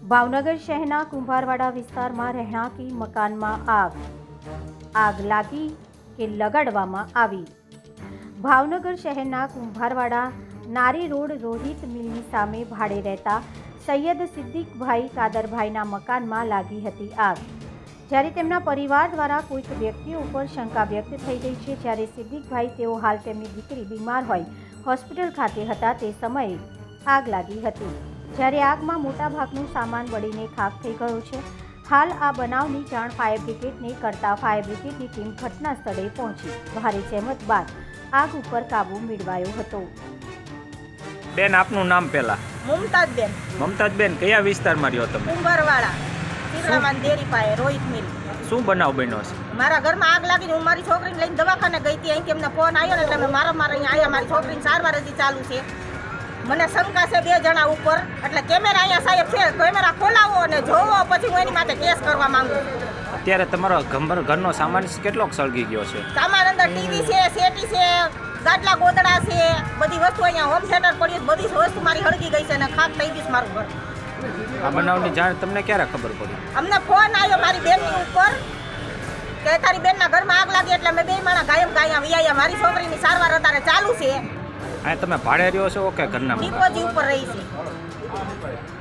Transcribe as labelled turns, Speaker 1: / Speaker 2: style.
Speaker 1: ભાવનગર શહેરના કુંભારવાડા વિસ્તારમાં રહેણાંકી મકાનમાં આગ લાગી કે લગાડવામાં આવી। ભાવનગર શહેરના કુંભારવાડા નારી રોડ રોહિત મિલની સામે ભાડે રહેતા સૈયદ સિદ્દીકભાઈ કાદરભાઈના મકાનમાં લાગી હતી આગ। જ્યારે તેમના પરિવાર દ્વારા કોઈક વ્યક્તિઓ ઉપર શંકા વ્યક્ત થઈ રહી છે। જ્યારે સિદ્દીકભાઈ તેઓ હાલ તેમની દીકરી બીમાર હોય હોસ્પિટલ ખાતે હતા તે સમયે આગ લાગી હતી। જ્યારે આગમાં મોટાભાગનું સામાન બળીને ખાખ થઈ ગયો છે। હાલ આ બનાવની જાણ ફાયર બ્રિગેડને કરતા ફાયર બ્રિગેડની ટીમ ઘટના સ્થળે પહોંચી ભારે જહેમત બાદ આગ ઉપર કાબૂ મેળવાયો હતો।
Speaker 2: બેન, આપનું નામ પહેલા?
Speaker 3: મુમતાજબેન।
Speaker 2: મમતાજબેન, કયા વિસ્તારમાં રહ્યો તમે?
Speaker 3: કુંભારવાડા ચિત્રામાન ડેરી પાસે રોહિત મિલ।
Speaker 2: શું બનાવ બન્યો છે?
Speaker 3: મારા ઘરમાં આગ લાગીને હું મારી છોકરીને લઈને દવાખાને ગઈ હતી। અહીંથી એમને ફોન આવ્યો ને એટલે મેં મારા અહીંયા આવ્યા। મારી છોકરીની સારવાર હજી ચાલુ છે। મને શંકા છે 2 જણા ઉપર, એટલે કેમેરા અહીંયા સાહેબ છે, કેમેરા ખોલાવો અને જોવો, પછી હું એની માટે કેસ કરવા માંગુ છું।
Speaker 2: અત્યારે તમારો ઘરનો સામાન કેટલોક સળગી ગયો છે?
Speaker 3: સામાન અંદર ટીવી છે, સેટી છે, ગાટલા ગોદડા છે, બધી વસ્તુ અહીંયા હોમ થિયેટર પડ્યું, બધી વસ્તુ મારી હળગી ગઈ છે અને ખાક થઈ ગઈ છે મારું ઘર।
Speaker 2: આ બનાવની જાણ તમને ક્યારે ખબર પડી?
Speaker 3: અમને ફોન આવ્યો મારી બેનની ઉપર કે તારી બેનના ઘરમાં આગ લાગી, એટલે અમે 2 માણા ગાયબ ગાયા વિયા। મારી છોકરીની સારવાર અત્યારે ચાલુ છે।
Speaker 2: આ તમે ભાડે રહ્યો છો કે ઘરના?
Speaker 3: ડિપોજી ઉપર રહી છે।